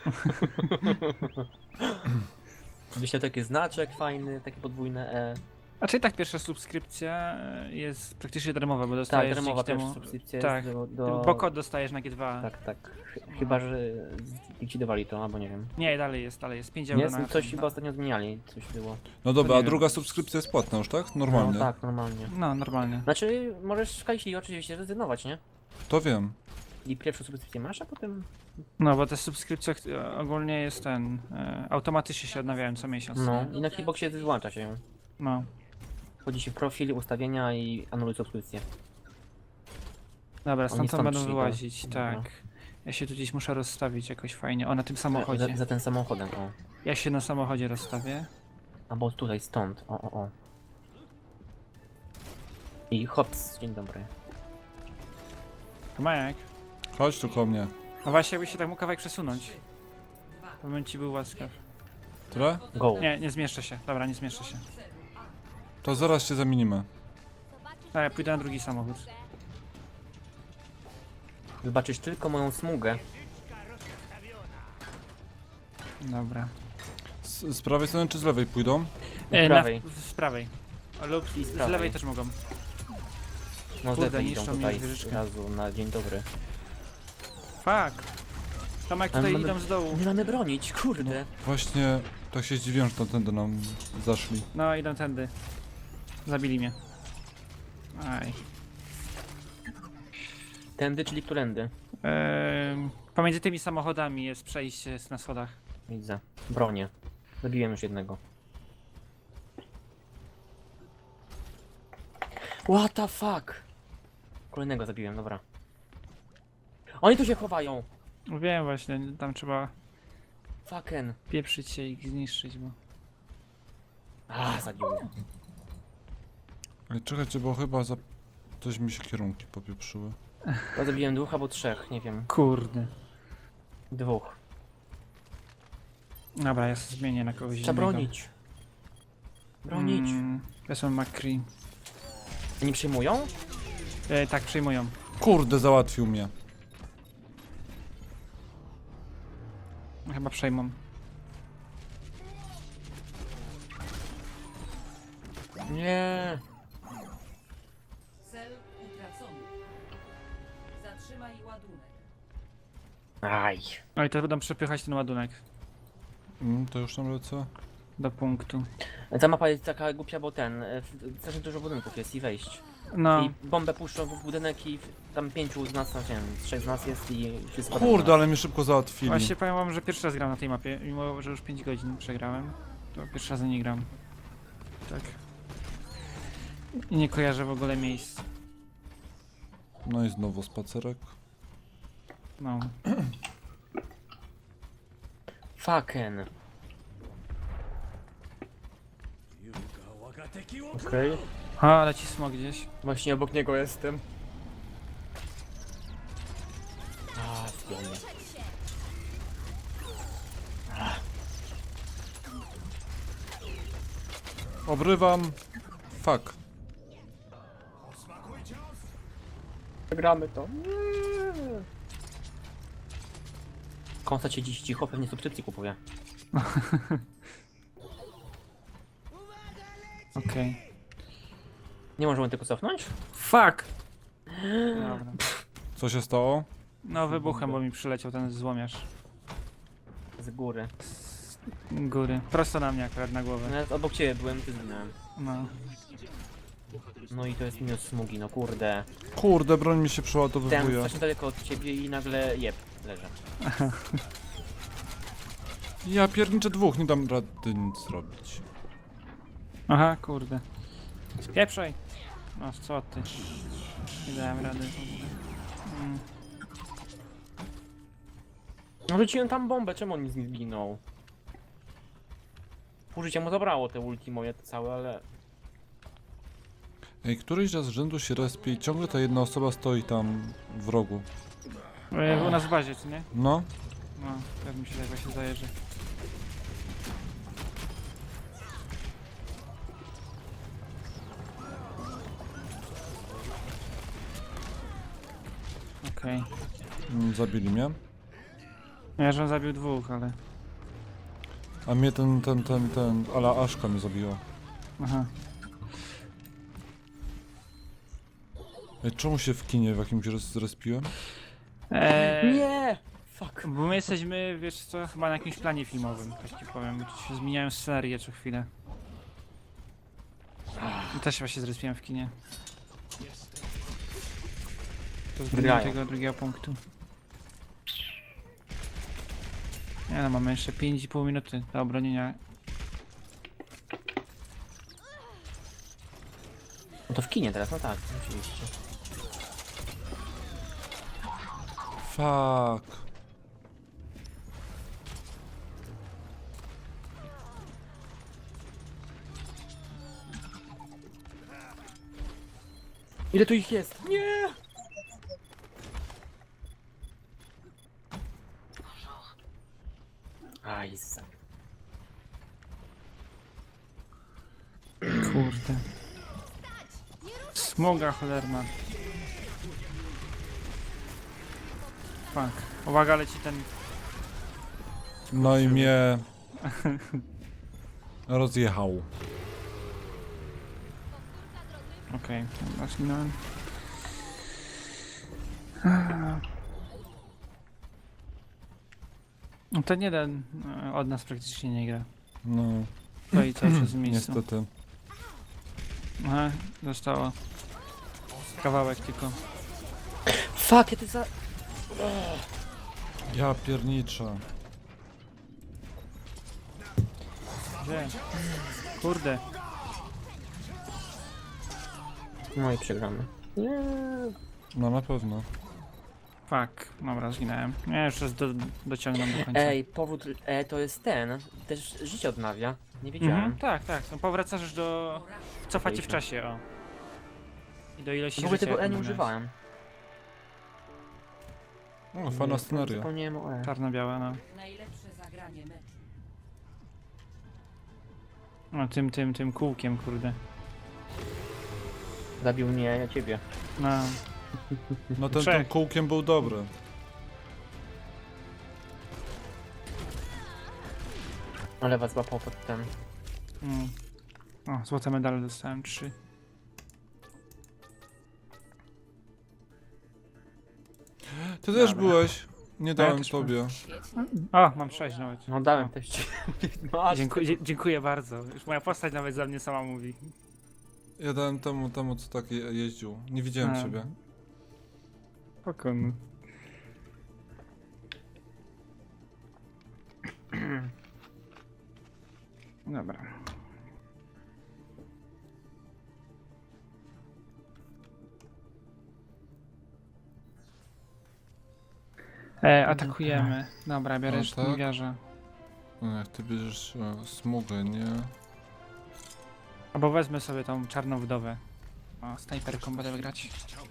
Wyślę taki znaczek fajny, takie podwójne E. A czyli tak pierwsza subskrypcja jest praktycznie darmowa, bo Tak, dostajesz darmowa dzięki temu... pierwsza subskrypcja Tak, jest bo kod dostajesz na G2. Tak, tak. Chyba, że likwidowali to, albo nie wiem. Nie, dalej jest 5 Nie, euro na coś ten, chyba ostatnio zmieniali, coś było. No dobra, nie a wiem. druga subskrypcja jest płatna już, tak? Normalnie. No tak, normalnie. No, normalnie. Znaczy, możesz w Kajsi oczywiście rezygnować, nie? To wiem. I pierwszą subskrypcję masz, a potem... No, bo te subskrypcje ogólnie jest automatycznie się odnawiają co miesiąc. No, i na Xboxie wyłącza się ją. No. Wchodzi się w profil, ustawienia i anuluj subskrypcję. Dobra, Oni stąd stąd będą szli, wyłazić, dobra. tak. Ja się tu gdzieś muszę rozstawić jakoś fajnie. O, na tym samochodzie. Za ten samochodem, o. Ja się na samochodzie rozstawię. Albo tutaj, stąd, o. I hops, dzień dobry. Majek. Chodź tu ko mnie. No właśnie, jakbyś się tak mógł kawałek przesunąć. To bym ci był łaskaw. Tyle? Go. Nie zmieszczę się. Dobra, nie zmieszczę się. To zaraz się zamienimy. Tak, ja pójdę na drugi samochód. Wybaczysz tylko moją smugę. Dobra. Z prawej strony czy z lewej pójdą? Z prawej. Z prawej. Lub I z z prawej. lewej też mogą. No Kurde, zlewy idą niszczą mi tutaj wieżyczkę. z razu na dzień dobry. Fuck. Tomek Ale tutaj mamy- idą z dołu. Nie mamy bronić, kurde. Właśnie tak się zdziwiłem, że tamtędy nam zaszli. No, idą tędy. Zabili mnie. Aj. Tędy, czyli którędy? Pomiędzy tymi samochodami jest przejście na schodach. Widzę. Bronię. Zabiłem już jednego. What the fuck? Kolejnego zabiłem, dobra. Oni tu się chowają! Wiem właśnie, tam trzeba Fucken. pieprzyć się i ich zniszczyć, bo... Zabił mnie. Ale czekajcie, bo chyba za... Coś mi się kierunki popieprzyły. Ja zabiłem dwóch albo trzech, nie wiem. Kurde. Dwóch. Dobra, ja sobie zmienię na kogoś Trzeba innego. bronić. Bronić. Wezmę McCree. Oni przyjmują? Tak, przyjmują. Kurde, załatwił mnie. Chyba przejmą. Nie. Cel utracony. Zatrzymaj ładunek. Aj. No i to będą przepychać ten ładunek To już tam lecę. do punktu. Ta mapa jest taka głupia, bo strasznie dużo budynków jest i wejść. No, I bombę puszczą w budynek i tam 5 z nas, nie wiem, 3 z nas jest i wszystko. Kurde, ale mnie szybko załatwili. właśnie powiem wam, że pierwszy raz gram na tej mapie, mimo że już 5 godzin przegrałem. To pierwszy raz nie gram. Tak. I nie kojarzę w ogóle miejsc. No i znowu spacerek. No. Fucken. Okej. A, leci smog gdzieś. Właśnie obok niego jestem. Zdjęcie. Obrywam. Fuck. Gramy to. Konsta się dziś cicho, pewnie subskrypcji kupuje. Okej. Nie możemy tylko cofnąć? Fuck! Dobra. Co się stało? No wybuchem, bo mi przyleciał ten złomiarz. Z góry. Góry. Prosto na mnie akurat na głowę. Nawet obok ciebie byłem, ty zginąłem. No. No i to jest minus smugi, no kurde. Kurde, broń mi się Ten przeładowywuje. strasznie daleko od ciebie i nagle leżę. Ja pierniczę dwóch, nie dam rady nic zrobić. Aha, kurde. Spieprzaj! No co ty? Nie dałem rady. No rzuciłem tam bombę, czemu on nic nie zginął? Pół życia mu zabrało te ulti moje całe, ale... Ej, któryś raz z rzędu się respie i ciągle ta jedna osoba stoi tam w rogu. U nas w bazie, czy nie? No. No, tak mi się tak właśnie zdaje, że... Okej. Zabili mnie. Ja że on zabił dwóch, ale... A mnie ale Aszka mnie zabiła. Aha. Ej, czemu się w kinie w jakimś zrespiłem? Nie! Fuck. Bo my jesteśmy, wiesz co, chyba na jakimś planie filmowym, tak ci powiem. Tu się zmieniają scenerie co chwilę. I też właśnie zrespiłem w kinie. To zmieniłem Wygrają. tego drugiego punktu. Nie no, mamy jeszcze 5,5 minuty do obronienia. No to w kinie teraz, no tak, oczywiście. Fuck. Ile tu ich jest? Nie! Aj, Kurde. Smoga cholerna. Fuck. Uwaga, leci ten... No i mnie... rozjechał. Okej, okay. Zginąłem. No ten jeden od nas praktycznie nie gra. No, To i cały czas w miejscu. niestety. Aha, zostało. Kawałek tylko. Fuck, ja ty za... Ja pierniczę. Gdzie? Kurde. No i przegramy. Nie. No na pewno. Fuck. Dobra, zginąłem. Nie, już raz dociągnę do końca. Ej, powód to jest ten. Też życie odnawia. Nie wiedziałem. Mhm, tak, tak. No, powracasz do... Cofacie w czasie, o. I do ilości W ogóle życia, tego jaką nie miałeś. używałem. No, fajna scenaria. Zapomniałem o E. Czarno-białe, no. Najlepsze zagranie meczu. No tym kółkiem, kurde. Zabił mnie, ja ciebie. No. No ten Trzech. tym kółkiem był dobry. Ale was złapał pod ten. Mm. O, złote medale dostałem 3. Ty też Dobra. byłeś. Nie dałem też tobie. O, mam 6 nawet. No dałem też ci. No, aż Dziękuję bardzo. Już moja postać nawet za mnie sama mówi. Ja dałem temu co tak jeździł. Nie widziałem A. ciebie. Spokojnie. Dobra. Atakujemy. Dobra, biorę O, żniwiarza. No, jak ty bierzesz smugę, nie? Albo wezmę sobie tą czarną wdowę. O, snajperką będę grać.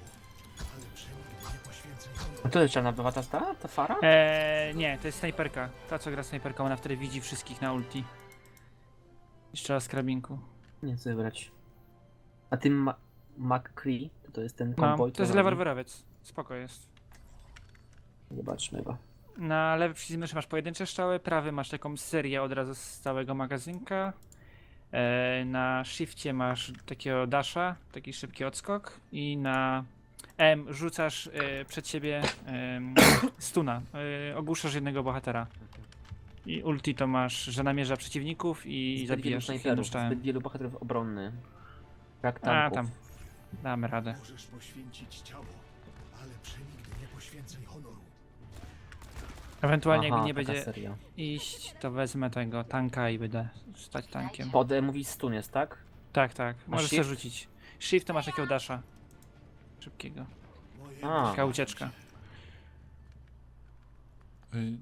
A to jest czarna była ta fara? Nie, to jest snajperka. Ta co gra snajperką, ona wtedy widzi wszystkich na ulti. Jeszcze raz karabinku. Nie chcę wybrać. A ty McCree, to jest ten No, konwoj. to jest robi? lewarwerowiec. Spoko jest. Zobaczmy go. Na lewy przycisk myszy masz pojedyncze strzały, prawy masz taką serię od razu z całego magazynka. Na shifcie masz takiego dasha, taki szybki odskok i na M rzucasz przed siebie stuna, ogłuszasz jednego bohatera. I ulti to masz, że namierza przeciwników i Zbyt zabijasz wielu ich snajperów, niszczałem. zbyt wielu bohaterów obronny. Jak A tanków. tam, damy radę. Możesz poświęcić ciało, ale przenigdy nie poświęcaj honoru. Ewentualnie Aha, jakby nie taka będzie seria. iść, to wezmę tego tanka i będę stać tankiem. Pod mówi stun jest, tak? Tak, tak, możesz sobie shift? rzucić. Shift to masz takiego dasha. Szybkiego. A, Taka ucieczka. Ej,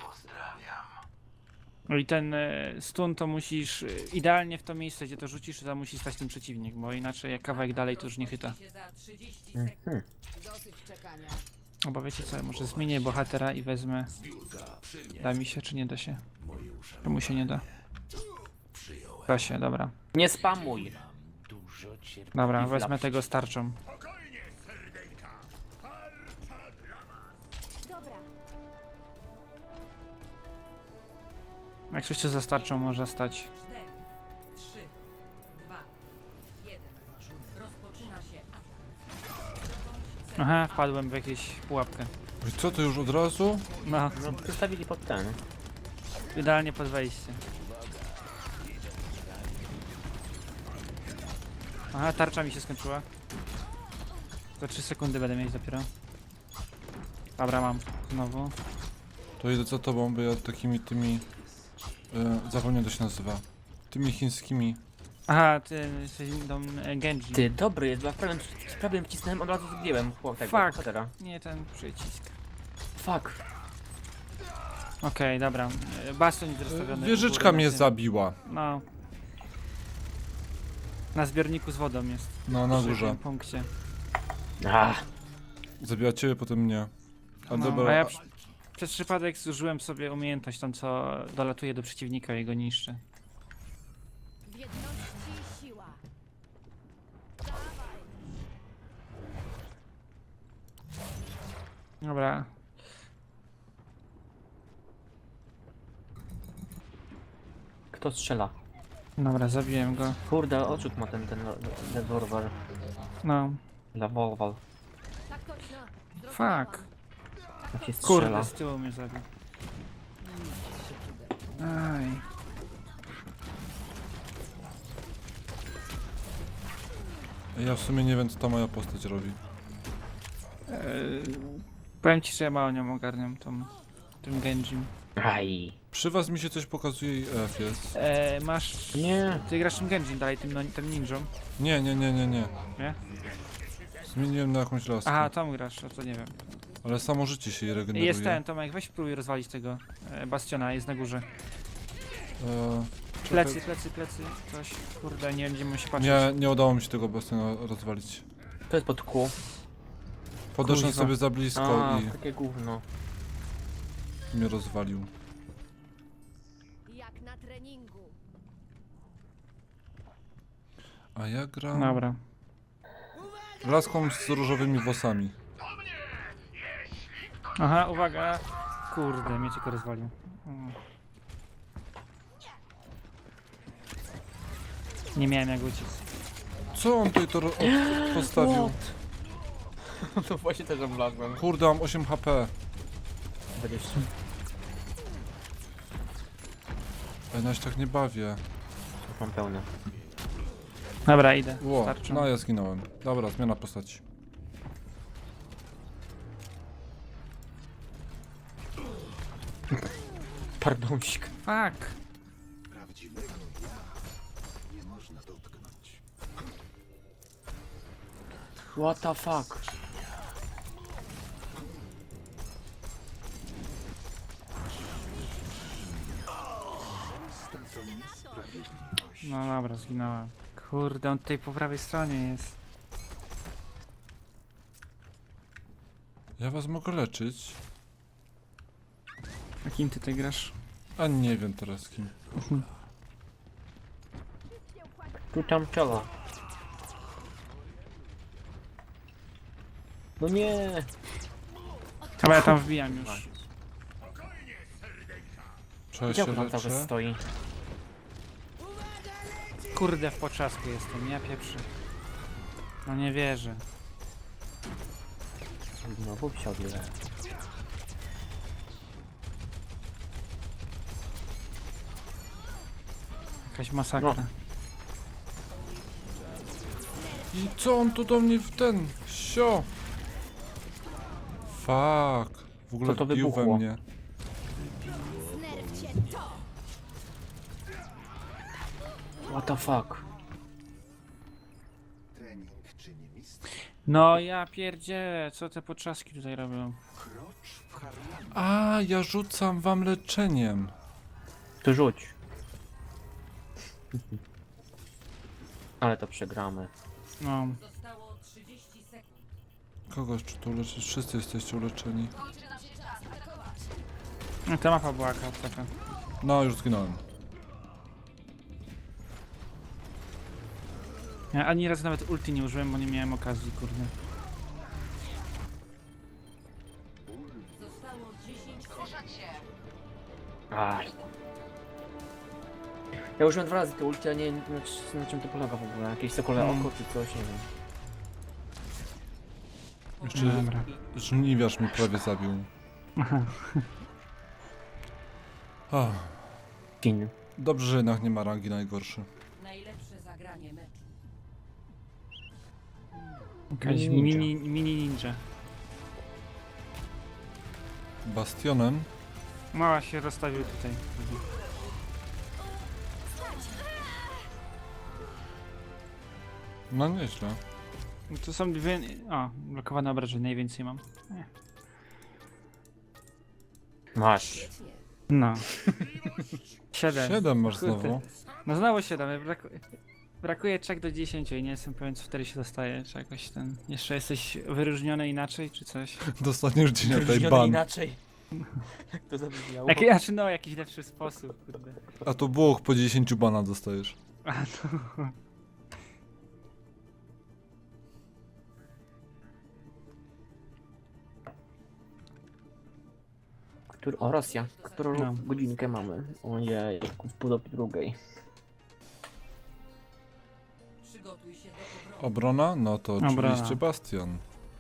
No i ten stun to musisz idealnie w to miejsce, gdzie to rzucisz, to tam musi stać ten przeciwnik, bo inaczej jak kawałek dalej to już nie chyta. Się za 30 sekund. mhm. Dosyć czekania. Bo wiecie co, może zmienię bohatera i wezmę... Da mi się, czy nie da się? Czemu się nie da? Da się, dobra. Nie spamuj. Dobra, I wezmę wlapsz. tego starczą. Jak coś cię zastarczą, może stać. 4, 3, 2, 1. Rozpoczyna się atak. Aha, wpadłem w jakieś pułapkę. I co, to już od razu? No, No, przystawili pod ten. idealnie pod wejście. Aha, tarcza mi się skończyła. Za 3 sekundy będę mieć dopiero. Dobra, mam. Znowu. To idę za tobą, bo ja takimi tymi... zapomniałem, jak to się nazywa. Tymi chińskimi... Aha, ty tą Genji. Ty, dobry jest, bo ja prawie wcisnąłem, od razu zdjąłem tego Fuck. bohatera. Nie ten przycisk. Fuck. Okej, dobra. Bastion jest rozstawiony. u Wieżyczka góry mnie na tym. zabiła. No. Na zbiorniku z wodą jest. No, na Przy górze. tym punkcie. Zabiła ciebie, potem mnie. A No, dobra, a ja przez przypadek zużyłem sobie umiejętność tą, co dolatuje do przeciwnika i go niszczy. W jedności siła. Dobra. Kto strzela? Dobra, zabiłem go. Kurde, oczuk ma ten rewolwer. No. Rewolwer. Tak точно. Fuck. Jak się strzela. Kurde, z tyłu mnie zabił. Aj. ja w sumie nie wiem, co ta moja postać robi. Powiem ci, że ja mało nią ogarniam tym Genjim. Aj. Przy was mi się coś pokazuje i F jest. Masz... Nie. Ty grasz tym Genjim dalej, tym ninją. Nie. Nie? Zmieniłem na jakąś laskę. Aha, tam grasz, a to nie wiem. Ale samo życie się jej regeneruje. Jest ten, Tomek, weź spróbuj rozwalić tego Bastiona, jest na górze. Czekaj. Plecy, coś. Kurde, nie będziemy się patrzeć. Nie udało mi się tego bastiona rozwalić. To jest pod kół. Podeszłem Kuźwa. sobie za blisko A, i takie gówno. mnie rozwalił. Jak na treningu. A ja gram Dobra. laską z różowymi włosami. Aha, uwaga. Kurde, mnie tylko rozwalił. Nie miałem jak uciec. Co on tutaj to postawił? To właśnie też oblazłem. Kurde, mam 8 HP. 20. Ja się tak nie bawię. Mam pełne. Dobra, idę. Ło, Starczą. no ja zginąłem. Dobra, zmiana postaci. Pardonsik. Fuck. Prawdziwego ja nie można dotknąć. What the fuck? No dobra, zginąłem. Kurde, on tutaj po prawej stronie jest. Ja was mogę leczyć. A kim ty tutaj grasz? A nie wiem teraz kim. Tu tam czela. No nie. Chyba ja tam wbijam już. Trzeba Gdzie się on tam cały leczę. stoi? Kurde, w potrzasku jestem, ja pieprzę. No nie wierzę. Znowu wsiadłem. Jakaś masakra. No. I co on tu do mnie w ten? Sio! Fuck. W ogóle Co to wbił we wybuchło? mnie. Znerwcie to. What the fuck? Trening czyni mistrz. No ja pierdzielę, co te potrzaski tutaj robią? Krocz w harmonii. A, ja rzucam wam leczeniem. Tu rzuć. Ale to przegramy. No. Zostało 30 sekund. Kogoś czy tu leczyć? Wszyscy jesteście uleczeni. Ta mapa była taka. No, już zginąłem. Ja ani razu nawet ulti nie użyłem, bo nie miałem okazji, kurde. Zostało 10 sekund. Aj. Ja użyłem 2 razy to ulti, a nie wiem na czym to polega w ogóle. Jakieś sokole oko czy coś, nie wiem. Jeszcze Dobra. żniwiarz mnie prawie zabił. Ach, Fin. dobrze, że jednak nie ma rangi najgorszy. Najlepsze zagranie meczu. Jakaś Ninja. mini ninja. Bastionem. Mała się rozstawił tutaj. No nieźle. Tu są dwie... O, blokowane obrażenia, najwięcej mam. Masz. No. 7. 7 masz Kurde. znowu. No znowu 7, brakuje czek do 10 i nie jestem pewien co wtedy się dostaje, czy jakoś ten... Jeszcze jesteś wyróżniony inaczej, czy coś? Dostaniesz dzień na tej Wyróżniony ban. inaczej. Jak to zabrzmiało? Znaczy no, jakiś lepszy sposób, kurde. A to Włoch po 10 bana dostajesz. A no. O, Rosja. Którą No. godzinkę mamy? Ojej, w pół do drugiej. Przygotuj się do obrony. Obrona? No to Obrona. oczywiście Bastion.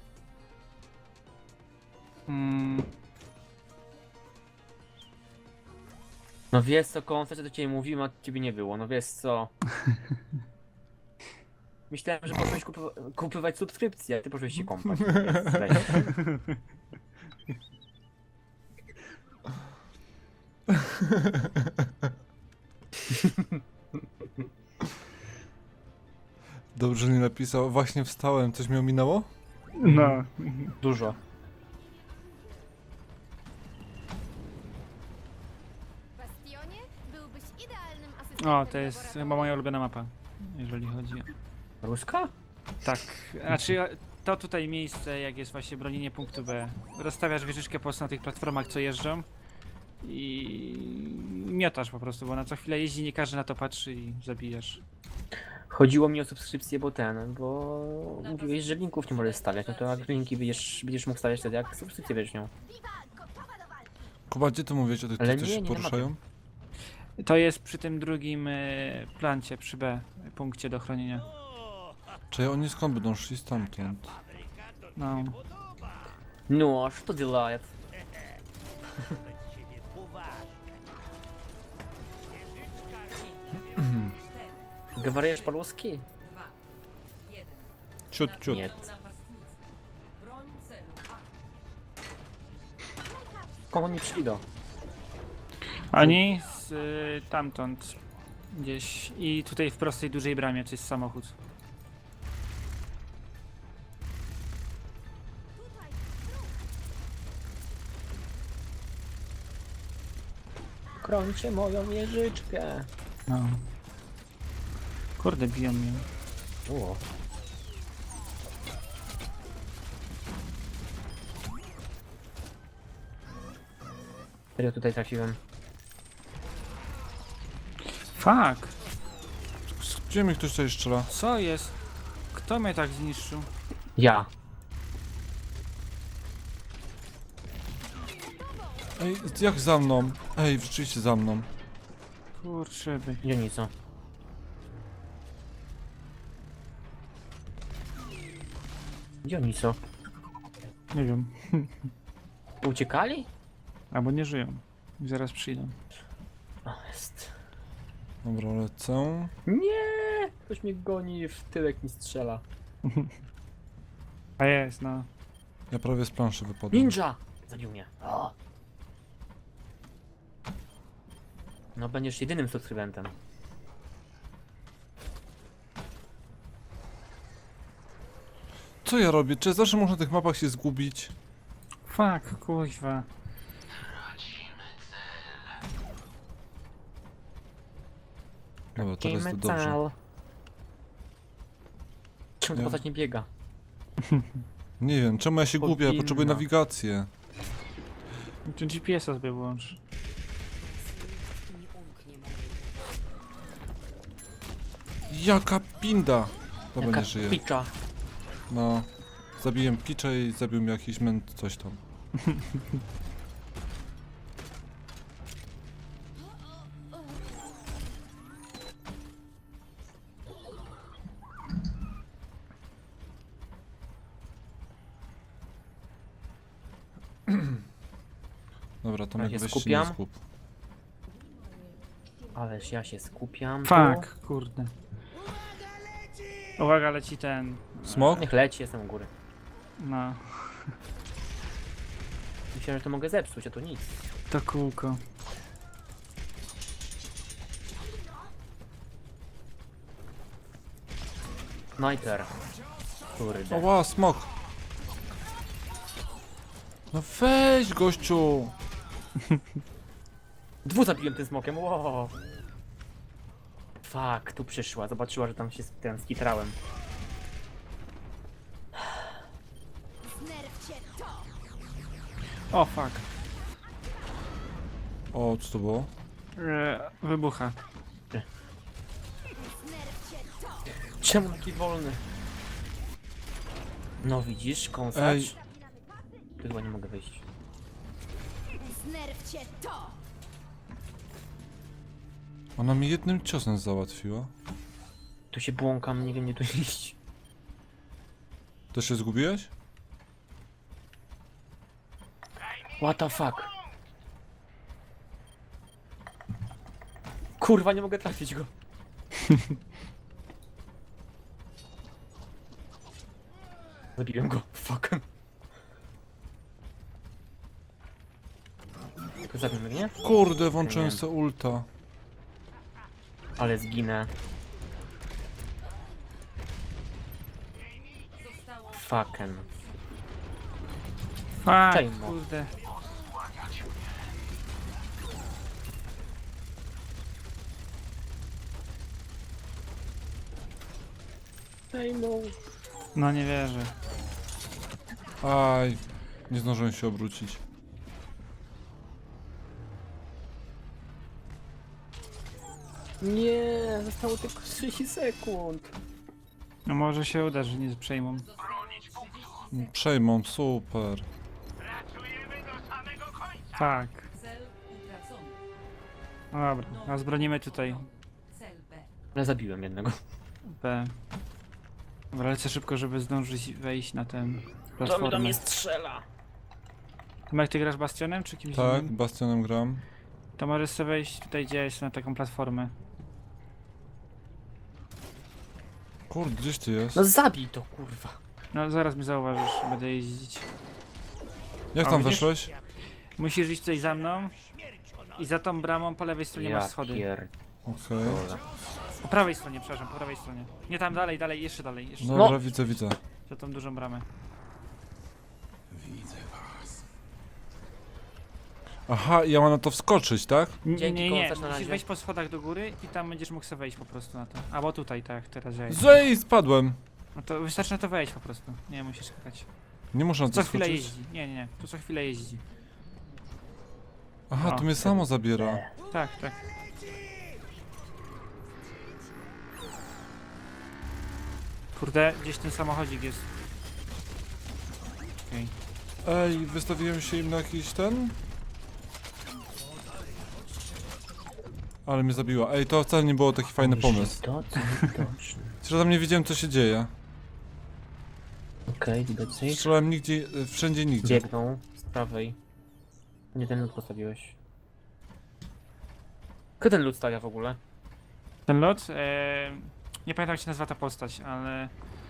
No wiesz co, koncert do ciebie mówiłem, a ciebie nie było, no wiesz co. Myślałem, że poszłeś kupywać subskrypcję, a ty poszłeś się kąpać. Weź. Dobrze nie napisał. Właśnie wstałem. Coś mi ominęło? No. Dużo. Bastionie byłbyś idealnym asystentem O, to jest chyba laboratorium. moja ulubiona mapa, jeżeli chodzi o... Ruska? Tak, znaczy to tutaj miejsce, jak jest właśnie bronienie punktu B. Rozstawiasz wieżyczkę po prostu na tych platformach, co jeżdżą i miotasz po prostu, bo na co chwilę jeździ, nie każdy na to patrzy i zabijasz. Chodziło mi o subskrypcję, bo mówiłeś, że linków nie możesz stawiać, no to jak linki będziesz mógł stawiać wtedy, jak subskrypcję będziesz miał. Kuba, gdzie ty mówisz o tych, Ale co nie, się nie poruszają? To jest przy tym drugim plancie, przy B, punkcie do chronienia. Czy oni skąd będą szli stamtąd? No. Ну, а что делает? Говоришь по-русски? 2, 1. Ciut, ciut. Нет. Napastnicy. Broń celu A. Skąd oni przyszli do? Oni z tamtąd gdzieś i tutaj w prostej dużej bramie, to jest samochód. Krącie moją wieżyczkę. No. Kurde, biją mnie. O. Serio tutaj trafiłem. Fuck! Gdzie mi ktoś tutaj strzela? Co jest? Kto mnie tak zniszczył? Ja. Ej, jak za mną? Ej, rzeczywiście za mną. Kurczę by. Dionico. Dionico. Nie wiem. Uciekali? Albo nie żyją. I zaraz przyjdą. O, jest. Dobra, lecę. Nie! Ktoś mnie goni, w tyłek mi strzela. A jest, no. Ja prawie z planszy wypadłem. Ninja! Zabił mnie. O. No będziesz jedynym subskrybentem. Co ja robię? Czy zawsze można na tych mapach się zgubić? Fuck, kuźwa. Dobra, teraz to dobrze. Metal. Czemu ta Ja- postać nie biega? Nie wiem, czemu ja się gubię? Ja Powinna. potrzebuję nawigację. Tu GPS-a sobie włącz. Nie umknie mojej. Jaka pinda! Dobra, Jaka nie żyje. picza. No. Zabiłem Picza i zabił mnie jakiś męt coś tam. Dobra, Tomek, się weź się nie skupiam. skup. Ależ ja się skupiam. Fuck, kurde. Uwaga, leci ten. Smok? Niech leci, jestem u góry. No, Myślałem, że to mogę zepsuć, a to nic. to kółko. Sniper. Kurde. Oła, smok! No weź, gościu! Dwóch zabiłem tym smokiem, wow. Fuck, tu przyszła, zobaczyła, że tam się ten skitrałem. Znerwcie to! O, fuck. O, co to było? Wybucha. Znerwcie to! Czemu taki wolny? No widzisz, kąsacz. Ej. Tu chyba nie mogę wyjść. Znerwcie to! Ona mi jednym ciosem załatwiła. Tu się błąkam, nie wiem gdzie tu iść. To się zgubiłeś? What the fuck? Kurwa, nie mogę trafić go. Zabiłem go, fuck. Tylko zabił mnie? Kurde, włączyłem Nie. se ulta. Ale zginę. Zostało Fucken. Fuck, Czejmo. kurde. No nie wierzę. Aj, nie zdążyłem się obrócić. Nie, zostało tylko 30 sekund. No może się uda, że nie przejmą. Przejmą, super. Tak. cel utracony. No dobra, a zbronimy tutaj Cel B. Ale zabiłem jednego. B. Dobra, lecę szybko, żeby zdążyć wejść na tę To mi do platformę. mnie strzela. Tomek, ty grasz Bastionem czy kimś Tak, innym? Bastionem gram. To możesz sobie wejść tutaj, gdzie jest na taką platformę. Kurde, gdzieś ty jest? No zabij to, kurwa. No zaraz mnie zauważysz, będę jeździć. Jak a tam widzisz? weszłeś? Musisz iść tutaj za mną i za tą bramą po lewej stronie masz schody. Okej. Po prawej stronie, przepraszam, po prawej stronie. Nie tam, dalej, dalej, jeszcze dalej, jeszcze Dobra, widzę, widzę. za tą dużą bramę. Aha, ja mam na to wskoczyć, tak? Nie, Dzięki, nie, nie, końcarz, na musisz razie. wejść po schodach do góry i tam będziesz mógł sobie wejść po prostu na to. Albo tutaj, tak, teraz ja. Zej, spadłem. No to wystarczy na to wejść po prostu. Nie musisz skakać. Nie muszę na to Co chwilę skoczyć. jeździ. Nie, nie, nie. Tu co chwilę jeździ. Aha, O, to mnie samo zabiera. Tak, tak. Kurde, gdzieś ten samochodzik jest. Okej. Ej, wystawiłem się im na jakiś ten? Ale mnie zabiła. Ej, to wcale nie było taki fajny pomysł. To co widoczne. Że tam nie wiedziałem, co się dzieje. Okej, widać ich. Strzelałem nigdzie, wszędzie nigdzie. Biegną z prawej. Nie ten lód postawiłeś. Kto ten lód stawia w ogóle? Ten lot? Nie pamiętam jak się nazywa ta postać, ale...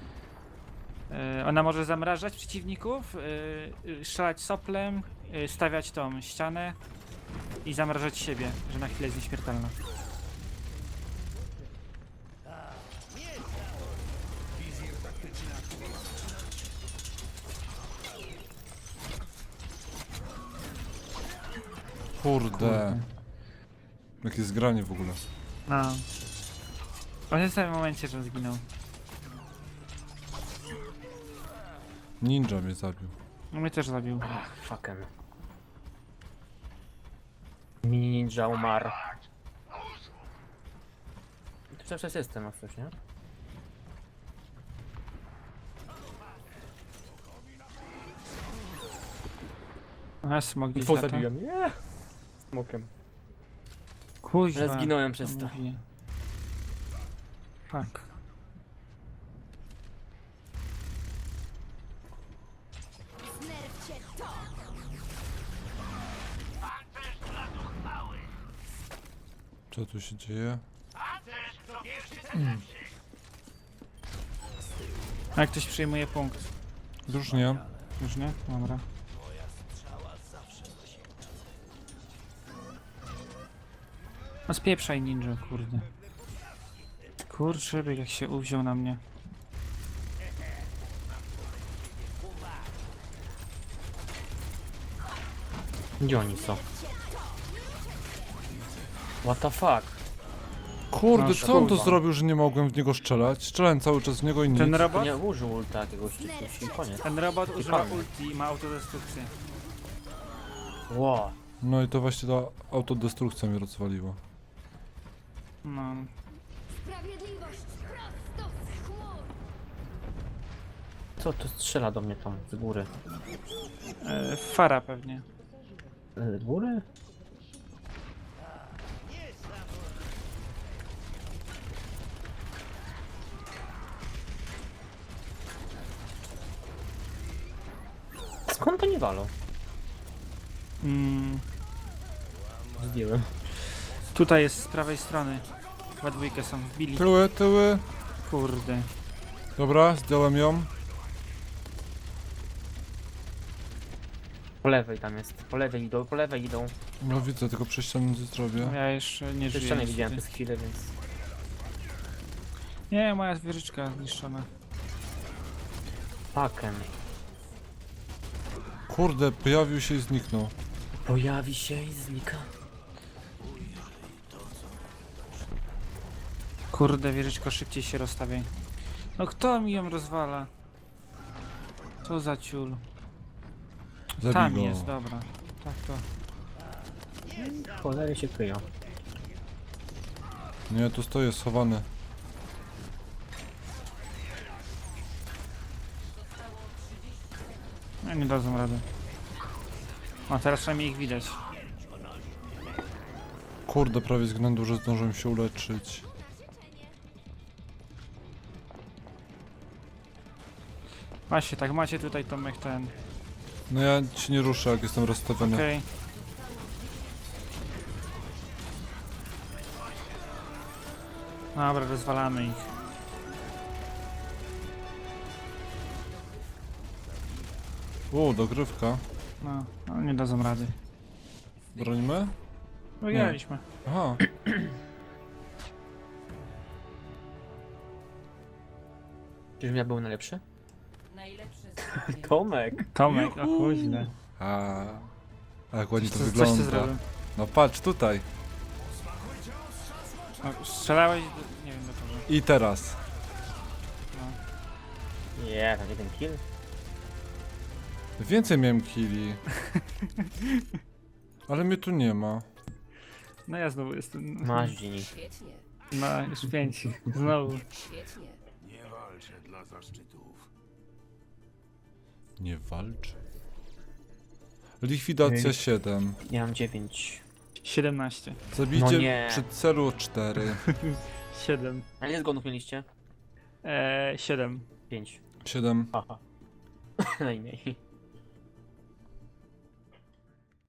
ona może zamrażać przeciwników, strzelać soplem, stawiać tą ścianę i zamrażać siebie, że na chwilę jest nieśmiertelna. Kurde. Jakie zgranie w ogóle. No. On jest w tym momencie, że zginął. Ninja mnie zabił. No mnie też zabił. Ach, fucken. Mini ninja umarł. Tu cały czas jestem, jak coś, nie? A smog gdzieś Dwóch lata. zabiłem, nie? Smokiem. Kuźwa. Ale zginąłem przez to. mówię. Fuck. Znerwcie to! Co tu się dzieje? A jak ktoś przyjmuje punkt? Już nie. Już nie? Dobra. No spieprzaj ninja, kurde. Kurczę, jak się uwziął na mnie. Gdzie oni są? What the fuck? Kurde, No, co on to kurwa. zrobił, że nie mogłem w niego strzelać? Strzelałem cały czas w niego i nic. Ten robot? Nie użył ulta jakiegoś czy koniec. Ten robot używa palmy. ulti i ma autodestrukcję. Ło. No i to właśnie ta autodestrukcja mnie rozwaliła. No. Sprawiedliwość prosto z chmur! Co to strzela do mnie tam z góry? Fara pewnie. Z góry? Skąd to nie walą? Mm, Zdjąłem. tutaj jest z prawej strony. Chyba dwójkę są wbili. Tyły, tyły. Kurde. Dobra, zdjąłem ją. Po lewej tam jest. Po lewej idą, po lewej idą. No widzę, tylko przejścia nie zrobię. Ja jeszcze nie Jeszcze żyję. nie widziałem niestety. przez chwilę, więc... Nie, moja wieżyczka zniszczona. Pakem. Kurde, pojawił się i zniknął. Pojawi się i znika. Kurde, wieżyczko, szybciej się rozstawiaj. No kto mi ją rozwala? Co za ciul. Zabij Tam go. jest, dobra. Tak to. Cholery się kryją. Nie, tu stoję schowany. No nie dadzą rady. O, teraz przynajmniej ich widać. Kurde, prawie względu, że zdążyłem się uleczyć. Właśnie, tak macie tutaj Tomek ten. No ja się nie ruszę, jak jestem rozstawiony. Okej. Dobra, rozwalamy ich. Dogrywka. No, no nie dadzą rady. Bronimy? Wygraliśmy. Aha. Czyżbym ja był najlepszy? Najlepsze zdrowie. Tomek! Tomek, o kuźne. A jak ładnie to Coś ty wygląda. zrobił. No patrz, tutaj. O, strzelałeś do, nie wiem do kogo. I teraz. Nie, tam jeden kill. Więcej miałem killi. Ale mnie tu nie ma. No ja znowu jestem. Masz Gini. Świetnie, No, już 5. Znowu. świetnie. Nie walczę dla zaszczytów. Nie walcz. Likwidacja 7. Ja mam 9. 17. Zabicie No nie. przy celu 4. 7. A ile zgonów mieliście? 7. 5. 7. Haha. Najmniej.